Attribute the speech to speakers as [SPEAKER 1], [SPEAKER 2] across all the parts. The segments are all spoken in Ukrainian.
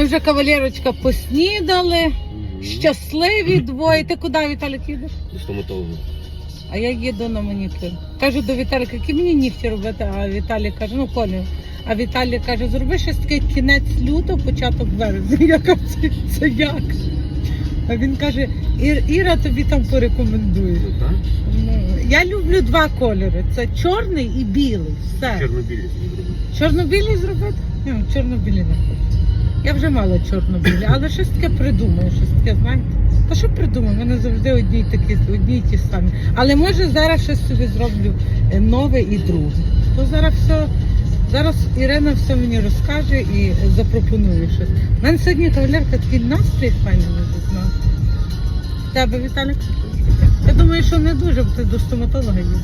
[SPEAKER 1] вже, кавалерочка, поснідали, щасливі двоє. Ти куди, Віталік, їдеш?
[SPEAKER 2] До стоматолога.
[SPEAKER 1] А я їду на манікюр. Кажу до Віталіка, які мені нігті робити, а Віталій каже, ну Колю. А Віталій каже, зроби щось таке кінець лютого, початок березня. Я кажу, це як? А він каже, Іра тобі там порекомендує. Я люблю два кольори. Це чорний і білий. Все.
[SPEAKER 2] Чорно-білі зробити.
[SPEAKER 1] Чорно-білий зробити? Ні, чорно-білі не хочу. Я вже мала чорно-білі, але щось таке придумаю, щось таке, знаєте. Та що придумаю? У мене завжди одні й ті самі. Але може зараз щось собі зроблю нове і друге. То зараз Ірина все мені розкаже і запропонує щось. У мене сьогодні, кавалерка, такий настрій файний не знаю. Тебе, Віталік? Я думаю, що не дуже, бо ти до стоматолога їдеш.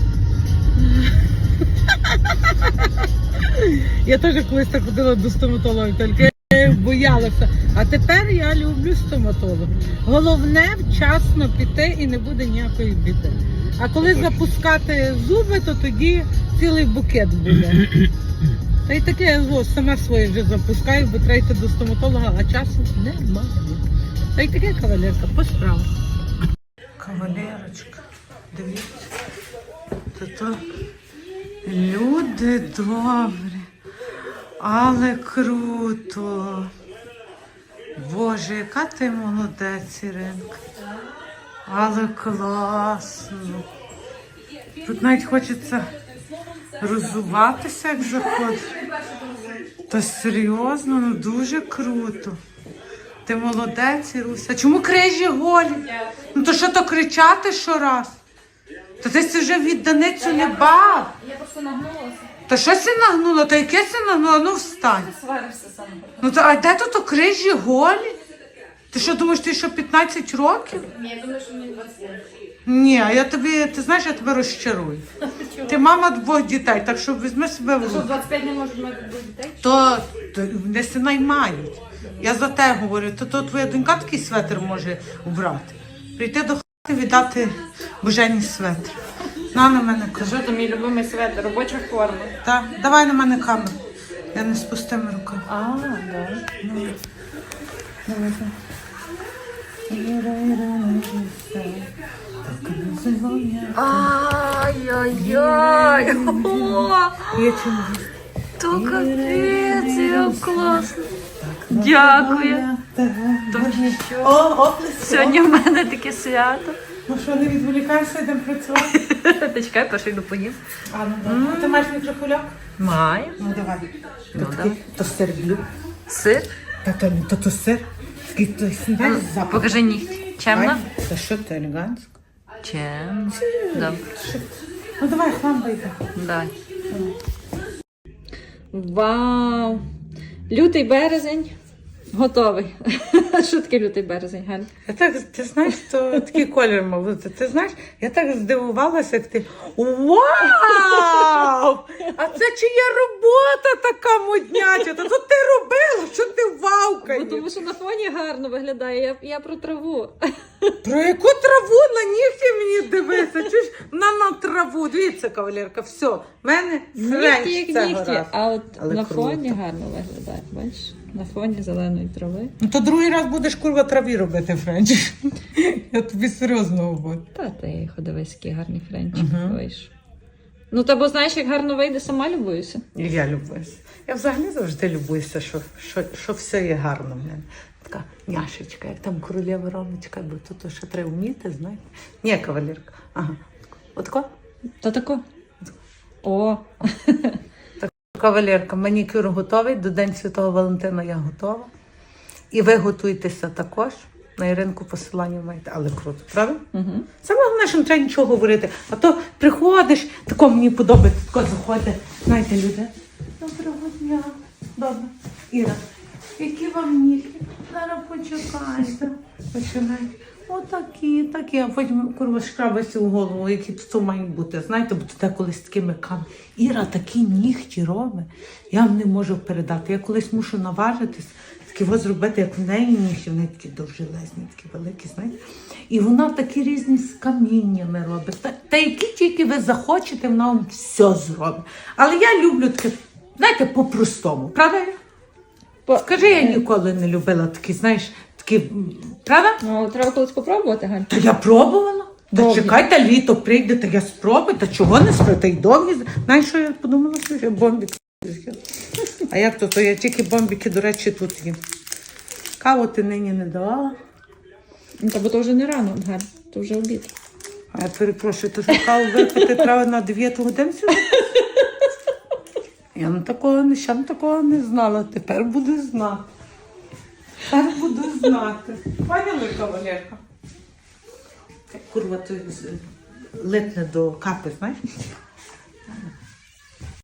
[SPEAKER 1] Я теж колись так ходила до стоматолога, тільки я боялася. А тепер я люблю стоматолога. Головне вчасно піти і не буде ніякої біди. А коли запускати зуби, то тоді цілий букет буде. Та й таке я сама своє вже запускаю, бо треба йти до стоматолога, а часу немає. Та й таке, кавалерка, по справах. Кавалерочка, дивіться, то люди добрі, але круто. Боже, яка ти молодець, Іринка. Але класно. Тут навіть хочеться роззуватися, як заходиш. Та серйозно, ну дуже круто. Ти молодець, Іруся. Чому крижі голі? Ну то що то кричати щораз? Та ти вже відданицю не бав.
[SPEAKER 3] Я просто нагнулася.
[SPEAKER 1] Та що си нагнула? Та яке си нагнула? Ну встань.
[SPEAKER 3] Ти сваришся саме.
[SPEAKER 1] Ну та а де тут крижі голі? Ти що думаєш, ти що 15 років?
[SPEAKER 3] Ні, я думаю, що мені 20 років.
[SPEAKER 1] Ні, я тобі, ти знаєш, я тебе розчарую. Ти мама двох дітей, так що візьми себе в
[SPEAKER 3] Що,
[SPEAKER 1] руки.
[SPEAKER 3] 25 не можуть мати двох дітей?
[SPEAKER 1] То не си наймають. Я за те говорю, то твоя донька такий светр може убрати. Прийти до хати, віддати божені светр. На мене
[SPEAKER 3] Та
[SPEAKER 1] кажу.
[SPEAKER 3] що, то мій любимий светр, робоча форма.
[SPEAKER 1] Так, давай на мене камеру. Я не з пустими руками.
[SPEAKER 3] А, да. Ай-яй-яй!
[SPEAKER 1] Є чим.
[SPEAKER 3] То капець, як класно. Дякую. Сьогодні в мене таке свято.
[SPEAKER 1] Ну що, не відволікайся, йдемо працювати.
[SPEAKER 3] Ти чекай, перше йду поїм.
[SPEAKER 1] А, ну добре. Ти маєш мікрохвильовку?
[SPEAKER 3] Маю.
[SPEAKER 1] Ну давай.
[SPEAKER 3] Ну,
[SPEAKER 1] То,
[SPEAKER 3] давай.
[SPEAKER 1] то сир блю.
[SPEAKER 3] Сир?
[SPEAKER 1] То сир. Скільки то снідай запах.
[SPEAKER 3] Покажи нігті. Чемно?
[SPEAKER 1] Та що ти елегантсько?
[SPEAKER 3] Чемно. Добре.
[SPEAKER 1] Ну давай, хлам вийде.
[SPEAKER 3] Давай. Вау! Лютий березень готовий. Що таке лютий березень, Галь?
[SPEAKER 1] Я так, ти знаєш, то такий колір мав. Ти знаєш, я так здивувалася, як ти. Вау! А це чия робота така модняча? Та тут ти робила, що ти вавкаєш?
[SPEAKER 3] Тому що на фоні гарно виглядає. Я про траву.
[SPEAKER 1] Про яку траву на нігті мені дивися? Чуєш? На траву. Дивіться, кавалерка, все. В мене
[SPEAKER 3] Нігті
[SPEAKER 1] френч
[SPEAKER 3] як
[SPEAKER 1] це
[SPEAKER 3] нігті,
[SPEAKER 1] гаразд.
[SPEAKER 3] а от
[SPEAKER 1] Але
[SPEAKER 3] на
[SPEAKER 1] круто.
[SPEAKER 3] фоні гарно виглядає. Бачиш? На фоні зеленої трави.
[SPEAKER 1] Ну то другий раз будеш курва траві робити френч. Я тобі серйозно говорю.
[SPEAKER 3] Та ти ходовись, який гарний френчик вийшов. Ну, та бо знаєш, як гарно вийде, сама любуюся.
[SPEAKER 1] І я любуюся. Я взагалі завжди любуюся, що все є гарно в мене. Така няшечка, як там королева Ромочка, бо тут ще треба вміти, знаєте. Ні, кавалерка. Ага. Отако?
[SPEAKER 3] Та тако. О,
[SPEAKER 1] Кавалерка, манікюр готовий, до День Святого Валентина я готова. І ви готуйтеся також. На Іринку посилання маєте, але круто, правда?
[SPEAKER 3] угу.
[SPEAKER 1] Саме головне, що не треба нічого говорити. А то приходиш, тако мені подобається, тако заходить. Знаєте, люди. Доброго дня. Добре. Іра, які вам нігті? Зараз почекайте. Починайте. Отакі, такі. А потім курва шкрабиться в голову, які тут мають бути. Знаєте, бо тут колись такими камами. Іра такі нігті робить. Я вам не можу передати. Я колись мушу наважитись. Такі ось зробити, як в неї нігті, вони такі довжелезні, такі великі, знаєте. І вона такі різні з каміннями робить. Та які тільки ви захочете, вона вам все зробить. Але я люблю таке, знаєте, по-простому. Правда? Скажи, я ніколи не любила такі, знаєш, такі, правда?
[SPEAKER 3] Ну, треба колись попробувати, Галь.
[SPEAKER 1] Та я пробувала. Та
[SPEAKER 3] Довгі.
[SPEAKER 1] чекайте, літо прийде, та я спробую, та чого не спробую, та й довгі. Знаєш, що я подумала, що я бомбіки. А як то? То я тільки бомбіки, до речі, тут їм. Каву ти нині не давала.
[SPEAKER 3] Ну, та бо то вже не рано, Галь, то вже обід.
[SPEAKER 1] А я перепрошую, то що каву випити треба на 9 годин сьогодні? Я такого не знала, тепер буду знати. Тепер буду знати. Поняли, кавалерка? Курва, то липне до капи, знаєш?